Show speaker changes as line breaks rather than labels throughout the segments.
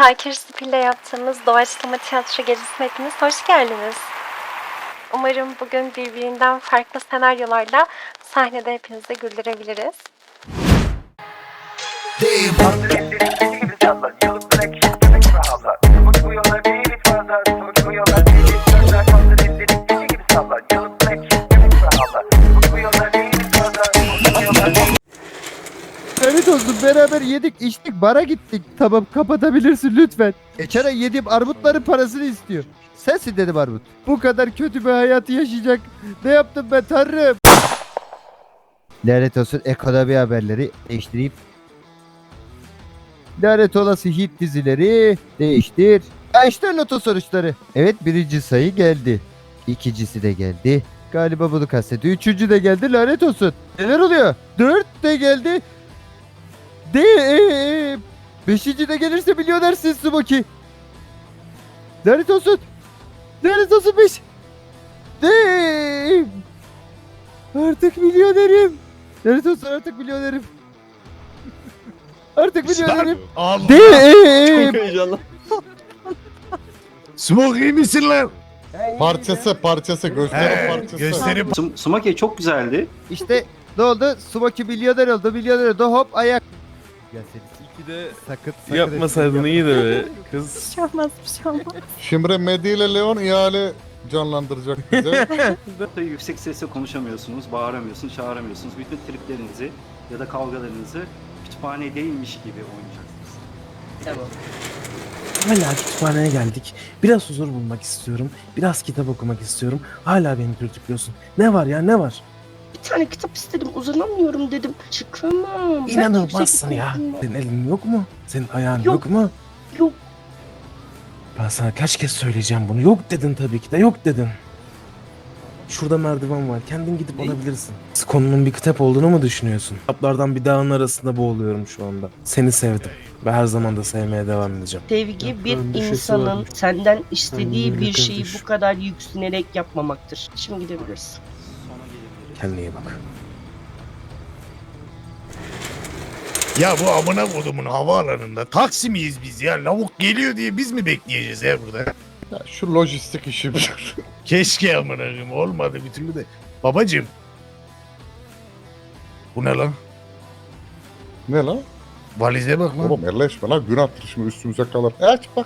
Şakir Spil'le yaptığımız doğaçlama tiyatro gezisine hepiniz hoş geldiniz. Umarım bugün birbirinden farklı senaryolarla sahnede hepinizi güldürebiliriz.
Evet olsun, beraber yedik içtik, bara gittik. Tamam, kapatabilirsin lütfen. Geçen ay yediğim armutların parasını istiyor. Sensin dedim armut. Bu kadar kötü bir hayatı yaşayacak. Ne yaptım ben tanrım? Lanet olsun, ekonomi haberleri değiştireyim. Lanet olası hit dizileri değiştir. İşte loto sonuçları. Evet, birinci sayı geldi. İkincisi de geldi. Galiba bunu kastediyor. Üçüncü de geldi, lanet olsun. Neler oluyor? Dört de geldi. Beşinci de gelirse milyonersin Smoky. Lanet olsun. Lanet olsun 5. Artık milyonerim. Lanet olsun, artık milyonerim. Artık milyonerim.
Allah.
Damn.
Çok heyecanlı.
Smoke iyi misin lan?
Parçası gösteri parçası.
Gösterim.
Sumake çok güzeldi.
İşte ne oldu? Smoky milyoner oldu. Milyoner oldu. Hop ayak. Ya sakın
Yapmasaydın iyiydi be kız.
Bir şey olmaz, bir şey olmaz.
Şimdi Medi ile Leon ihale canlandıracak bize.
Yüksek sesle konuşamıyorsunuz, bağıramıyorsunuz, çağıramıyorsunuz. Bütün triplerinizi ya da kavgalarınızı kütüphanedeymiş gibi oynayacaksınız.
Hala kütüphaneye geldik. Biraz huzur bulmak istiyorum. Biraz kitap okumak istiyorum. Hala beni dürtüklüyorsun. Ne var ya, ne var?
Bir tane kitap istedim, uzanamıyorum dedim. Çıkamam. Ben
İnanılmazsın
yüksek
ya.
kitap
Senin elin yok mu? Senin ayağın
Yok.
yok mu?
Yok.
Ben sana kaç kez söyleyeceğim bunu. Yok dedin tabii ki de, yok dedin. Şurada merdiven var. Kendin gidip alabilirsin. Konunun bir kitap olduğunu mu düşünüyorsun? Kitaplardan bir dağın arasında boğuluyorum şu anda. Seni sevdim. Ve her zaman da sevmeye devam edeceğim.
Sevgi bir
Yaptığın bir şey
insanın
varmış.
senden istediği
Kendine
bir şeyi
kardeş.
bu kadar yüksünerek yapmamaktır. Şimdi gidebiliriz.
Sona gelebiliriz.
Kendine iyi bak.
Ya bu amına kodumun havaalanında taksi miyiz biz ya? Lavuk geliyor diye biz mi bekleyeceğiz ya burada?
Ya şu lojistik işi bir.
Keşke amına koyayım, olmadı bir türlü de. Babacım. Bu ne lan?
Ne lan?
Valize bak lan.
Oğlum elleşme lan, günahtır şimdi üstümüze kalır. Aç bak.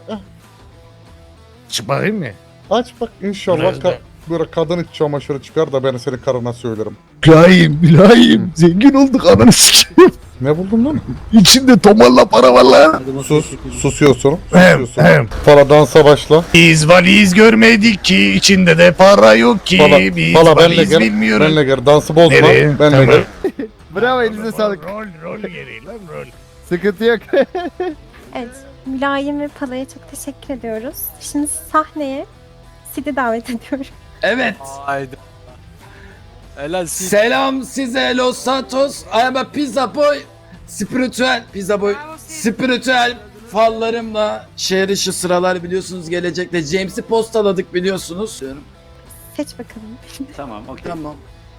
Çık bakayım mı?
Aç bak, inşallah
Biraz da-
böyle kadın iç çamaşırı çıkar da ben senin karına söylerim.
Mülayim. Zengin olduk ananı sikeyim.
Ne buldun lan?
İçinde tomarla para var lan.
Susuyorsun.
Hem.
Para dansa başla.
Biz valiz görmedik ki, içinde de para yok ki. Biz
Pala benle
valiz
gel.
bilmiyoruz.
Benle gel. Dansı bozma.
Nereye?
Benle
Tamam.
gel.
Bravo, elinize sağlık.
Rol gereği lan rol.
Sıkıntı yok.
Evet, Mülayim ve Pala'ya çok teşekkür ediyoruz. Şimdi sahneye Sid'i davet ediyorum.
Evet.
Haydi. Helal Sid.
Selam size Los Santos. I am a pizza boy. Spiritüel pizza boy. Spiritüel fallarımla şehir dışı sıralar biliyorsunuz gelecekte. James'i postaladık biliyorsunuz. Diyorum.
Seç bakalım.
Tamam, okey.
Tamam.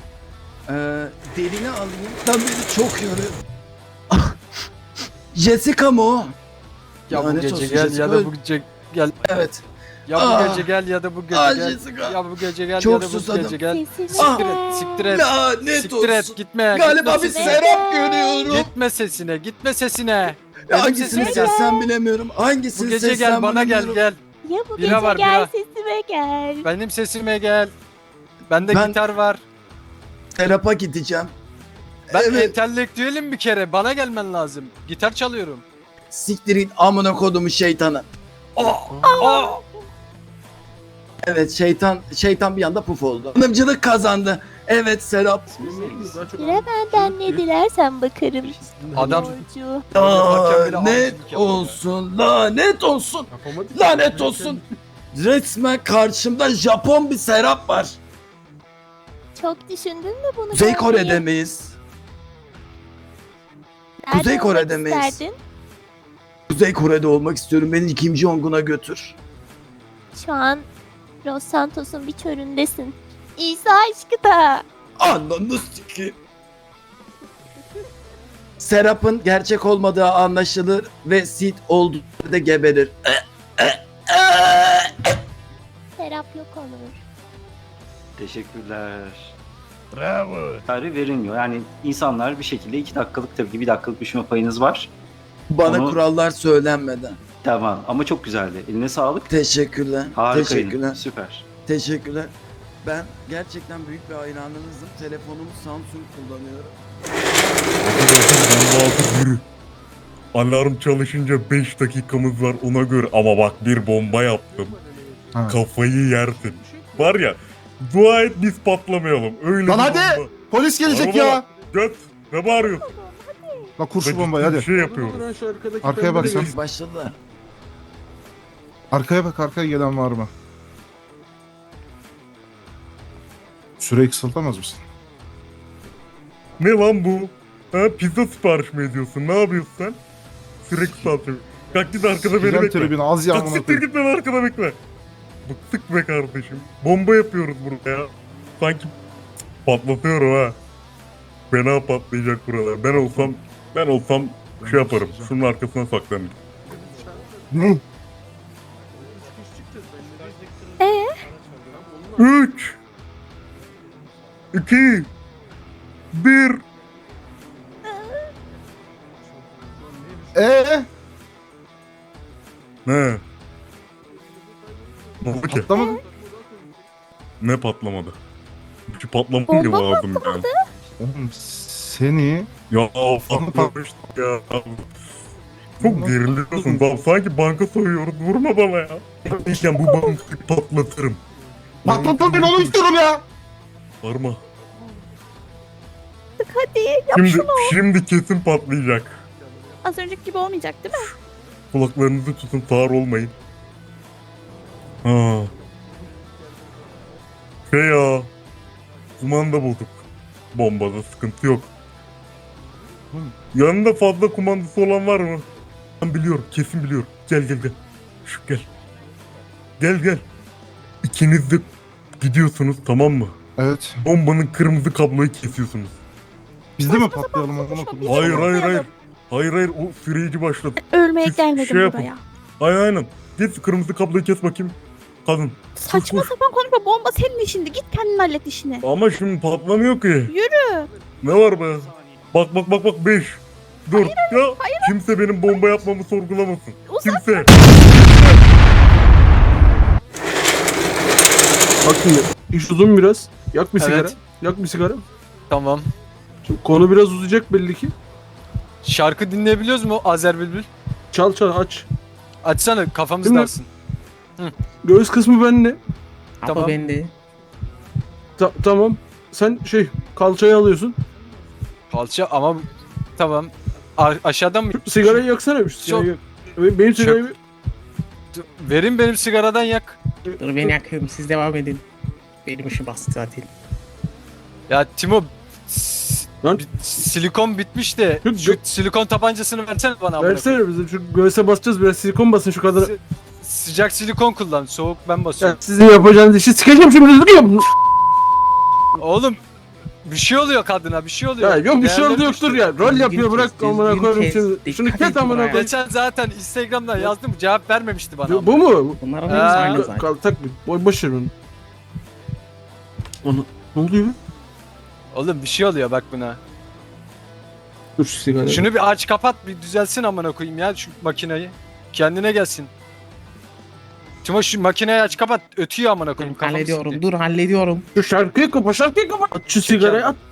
Derini alayım. Lan beni çok yoruyor. Ah! Jessica mı o?
Ya bu
Lanet
gece
olsun
gel
Jessica.
ya da bu gece gel.
Evet.
Ya bu
Ah!
gece gel ya da bu gece
Ah
gel.
Jessica.
Ya bu gece gel
Çok
ya da bu
susadım.
gece gel.
Ah!
Siktir et, siktir et.
Lanet
Siktir
olsun.
et, gitme.
Galiba
gitme
bir
sesine.
serap görüyorum.
Gitme sesine, gitme sesine. Benim
Hangisini
sesime gel.
seçsem bilemiyorum. Hangisini
Bu gece
seçsem
gel bana gel
bilemiyorum.
gel.
Ya bu
Bira
gece
var,
gel
bira.
sesime gel.
Benim sesime gel. Bende
Ben-
gitar var.
Serap'a gideceğim.
Ben
Evet.
entelektüelim bir kere. Bana gelmen lazım. Gitar çalıyorum.
Siktirin amına kodumu şeytanı.
Aa!
Evet şeytan bir anda puf oldu. Hanımcılık kazandı. Evet Serap.
Bire benden ne dilersen bakarım.
Adam
Borcu.
yaparken bile
Lanet
avcılık yapıyor.
olsun. Lanet olsun. Lanet olsun. Resmen karşımda Japon bir Serap var.
Çok düşündün mü bunu?
Kuzey
görmeyi?
Kore'de miyiz?
Nerede
Kuzey
olmak
Kore'de miyiz?
isterdin?
Kuzey Kore'de olmak istiyorum. Beni Kim Jong-un'a götür.
Şu an Los Santos'un bir çölündesin. İsa aşkı da.
Ananı sikeyim. Serap'ın gerçek olmadığı anlaşılır ve Sid olduğu da geberir.
Serap yok olur.
Teşekkürler.
Bravo.
Tarih verilmiyor. Yani insanlar bir şekilde 2 dakikalık tabii ki 1 dakikalık düşme payınız var.
Bana
Onu-
kurallar söylenmeden.
Tamam ama çok güzeldi. Eline sağlık.
Teşekkürler.
Harikaydın.
Teşekkürler.
Süper.
Teşekkürler. Ben gerçekten büyük bir hayranınızım. Telefonumu Samsung kullanıyorum.
Yürü. Alarm çalışınca 5 dakikamız var ona göre. Ama bak bir bomba yaptım.
Ha.
Kafayı yersin. Var ya dua et biz patlamayalım. Öyle
Lan
bir
hadi!
bomba.
Polis gelecek
Araba
ya.
bak, Göt. Ne bağırıyorsun?
Bak kur şu
Ben
bombayı
ciddi
hadi.
bir şey yapıyorum.
Arkaya bak sen.
Başladılar.
Arkaya bak, arkaya gelen var mı? Süreyi kısaltamaz mısın?
Ne lan bu? Ha pizza sipariş mi ediyorsun? Ne yapıyorsun sen? Sürekli satıyor. Kalk git arkada beni
Giden
bekle.
tribüne az
Kalk
yağmur
siktir git beni arkada bekle. Bıktık be kardeşim. Bomba yapıyoruz burada ya. Sanki patlatıyorum ha. Fena patlayacak buralar. Ben olsam şey yaparım. Şunun arkasına saklanırım.
Ne?
3 2 1 Ne? Ne oldu ki?
Patlamadı.
Ne patlamadı? Hiç patlamadı ki
Bomba
lazım yani.
Oğlum seni...
Ya patlamıştık ya. Çok geriliyorsun. Bak sanki banka soyuyoruz. Vurma bana ya. Ben bu bankayı patlatırım.
Patlatma beni, onu istiyorum ya.
Varma.
Hadi yap
Şimdi kesin patlayacak.
Az önceki gibi olmayacak değil mi?
Kulaklarınızı tutun, sağır olmayın. Ha. Ya. Kumanda bulduk. Bombada sıkıntı yok. Yanında fazla kumandası olan var mı? Ben biliyorum, kesin biliyorum. Gel. Şu gel. Gel. İkiniz de gidiyorsunuz, tamam mı?
Evet.
Bombanın kırmızı kabloyu kesiyorsunuz.
Biz de mi patlayalım amına koyayım?
Hayır, o süreci başladı.
Ölmeye
Siz
gelmedim
şey yapın.
buraya.
Aynen. Git kırmızı kabloyu kes bakayım. Kadın.
Saçma
Koş.
sapan konuşma, bomba senin işinde. Git kendin hallet işini.
Ama şimdi patlamıyor ki.
Yürü.
Ne var be? Bak 5. Dur. Kimse benim bomba yapmamı sorgulamasın. Kimse.
Bak şimdi iş uzun biraz. Yak bir sigara.
Evet.
Yak bir sigara.
Tamam.
Şimdi konu biraz uzayacak belli ki.
Şarkı dinleyebiliyoruz mu Azer Bülbül?
Çal aç.
Açsana kafamız
Değil mi?
dağılsın.
Göğüs kısmı bende.
Tamam.
Tamam. Sen kalçayı alıyorsun.
Kalça ama tamam. Aşağıdan mı?
Şu sigarayı yaksana bir. Sigarayı yak. Benim sigarayı...
Verin benim sigaradan yak.
Dur ben yakıyorum siz devam edin. Benim işim bastı zaten.
Ya Timo
Lan.
silikon bitmiş de şu silikon tabancasını versene bana. amına koyayım.
Versene bize, şu göğüse basacağız, biraz silikon basın şu kadar.
Sıcak silikon kullan. Soğuk ben
Ya,
basıyorum.
sizin yapacağınız işi sikeceğim şimdi.
Oğlum bir şey oluyor kadına, bir şey oluyor.
Ya yok bir şey oldu
Değerleri
yoktur
düştü.
ya. Rol yapıyor, bırak amına koyayım şimdi. Şunu kes amına koyayım.
Geçen zaten Instagram'dan yazdım, cevap vermemişti bana.
Bu mu?
Bunlar
Tak boş ver onu. Onu ne oluyor?
Oğlum bir şey oluyor bak buna.
Dur şu sigara.
Şunu bir aç kapat, bir düzelsin amına koyayım ya şu makineyi. Kendine gelsin. Timo şu makineyi aç kapat, ötüyor amına koyayım. kafamı
Hallediyorum
sikti.
dur hallediyorum.
Şu şarkıyı kapat. At şu sigarayı at.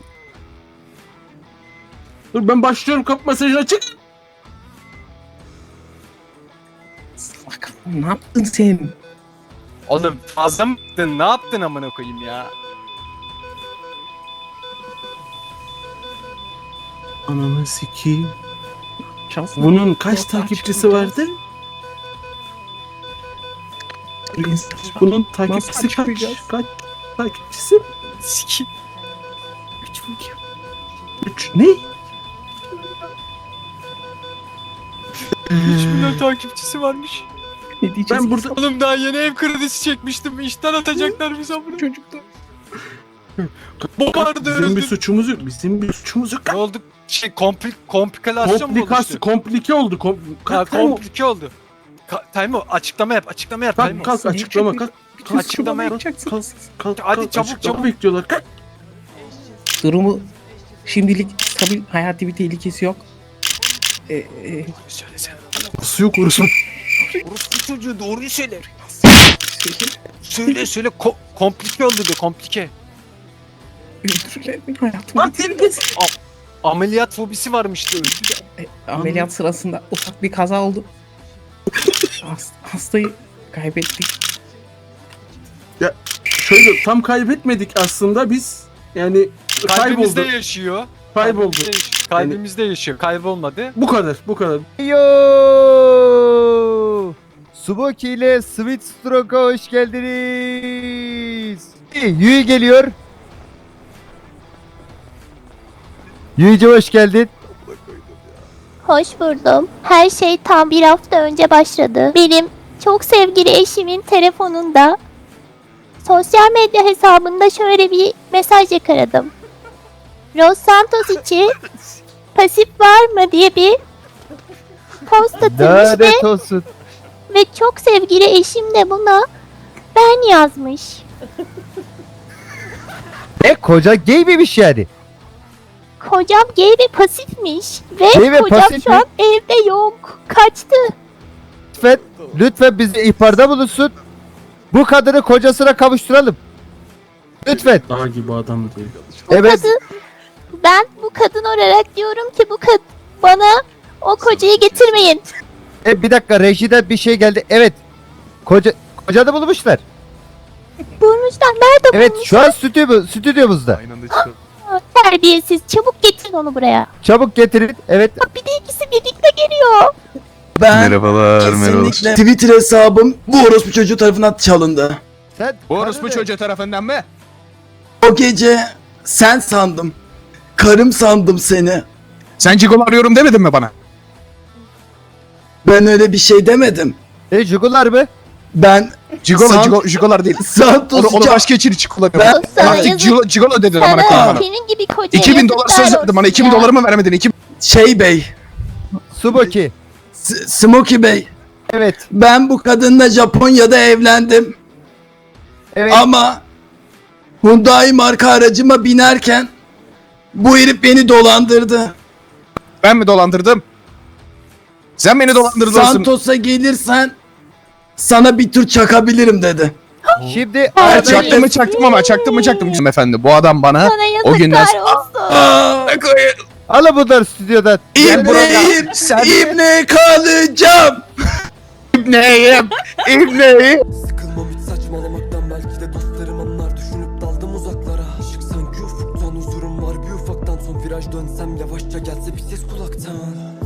Dur ben başlıyorum, kap mesajını açık.
Salak ne yaptın sen?
Oğlum fazla mı yaptın? Ne yaptın amına koyayım ya?
Ananı sikeyim.
Çalsın.
Bunun kaç takipçisi vardı? Bunun takipçisi kaç? Kaç takipçisi?
Siki.
3 ne?
3 milyon takipçisi varmış.
Ne diyeceğiz?
Ben burada
Oğlum daha yeni ev kredisi çekmiştim. İşten atacaklar bizi amına.
Çocuklar.
Bokardı
bizim bir
öldüm.
suçumuz yok. Bizim bir suçumuz yok.
Ne oldu? şey komplikalasyon mu oluştu?
Komplike oldu.
Ha, komplike oldu. Taymo açıklama yap. Taymo.
Kalk açıklama kalk.
Açıklama yapacaksın. Hadi çabuk.
Bekliyorlar. Kalk.
Durumu şimdilik stabil, hayati bir tehlikesi yok.
Söylesene.
Nasıl yok orası?
Orospu çocuğu doğruyu söyle. Söyle. Komplike oldu de komplike.
Öldürürler beni, hayatımın tehlikesi.
Ameliyat fobisi varmış da öldü.
Ameliyat sırasında ufak bir kaza oldu. Hastayı kaybettik.
Şöyle tam kaybetmedik aslında biz. Yani
Kalbimizde
kayboldu.
yaşıyor.
Kayboldu.
Kalbimizde yaşıyor. Kaybolmadı.
Bu kadar.
Yo! Suboki ile Sweet Stroke'a hoş geldiniz. Yui geliyor. Yui'cim hoş geldin.
Hoş buldum. Her şey tam bir hafta önce başladı. Benim çok sevgili eşimin telefonunda sosyal medya hesabında şöyle bir mesaj yakaladım. Los Santos için pasif var mı diye bir post atılmış
Lanet olsun.
ve çok sevgili eşim de buna ben yazmış.
Koca gay miymiş yani?
Kocam gay ve pasifmiş ve
Gay ve
kocam
pasif
şu
mi?
an evde yok. Kaçtı.
Lütfen bize ihbarda bulunsun. Bu kadını kocasına kavuşturalım. Lütfen.
Dağ gibi adam diyor.
Evet.
Ben bu kadın olarak diyorum ki bana o kocayı getirmeyin.
Bir dakika, rejiden bir şey geldi. Evet. Kocanı bulmuşlar.
Bulmuşlar. Nerede
Evet,
bulmuşlar?
şu an stüdyomuzda.
Terbiyesiz. Çabuk getirin onu buraya.
Çabuk getirin. Evet.
Bir de ikisi birlikte geliyor.
Ben
Merhabalar.
kesinlikle Twitter hesabım bu orospu çocuğu tarafından çalındı.
Sen karını-
tarafından mı?
O gece sen sandım. Karım sandım seni.
Sen Cigol arıyorum demedin mi bana?
Ben öyle bir şey demedim.
Jugular mı?
Ben
Jigolar değil.
Santos'u
için hiç kullanıyorum.
Ben-
Sana yazık.
Gigolo dedin
Sana senin gibi kocaya
2000 dolar söz
yazıklar
verdin bana.
olsun
2000
ya.
doları mı vermedin? 2000
Şey Bey,
Suboki.
Smokey Bey.
Evet.
Ben bu kadınla Japonya'da evlendim.
Evet.
Ama Hyundai marka aracıma binerken bu herif beni dolandırdı.
Ben mi dolandırdım? Sen beni dolandırdın.
Santos'a gelirsen sana bir tur çakabilirim dedi.
Şimdi
Evet,
Çaktım efendi. Bu adam bana
Sana yazıklar
o günden
olsun.
alın bunları stüdyodan.
İbneyim, İbne kalacağım.
İbneyim.
Sıkılmam hiç saçmalamaktan, belki de dostlarım anlar. Düşünüp daldım uzaklara. Işık sanki ufuktan, huzurum var bir ufaktan. Son viraj dönsem yavaşça gelse bir ses kulaktan.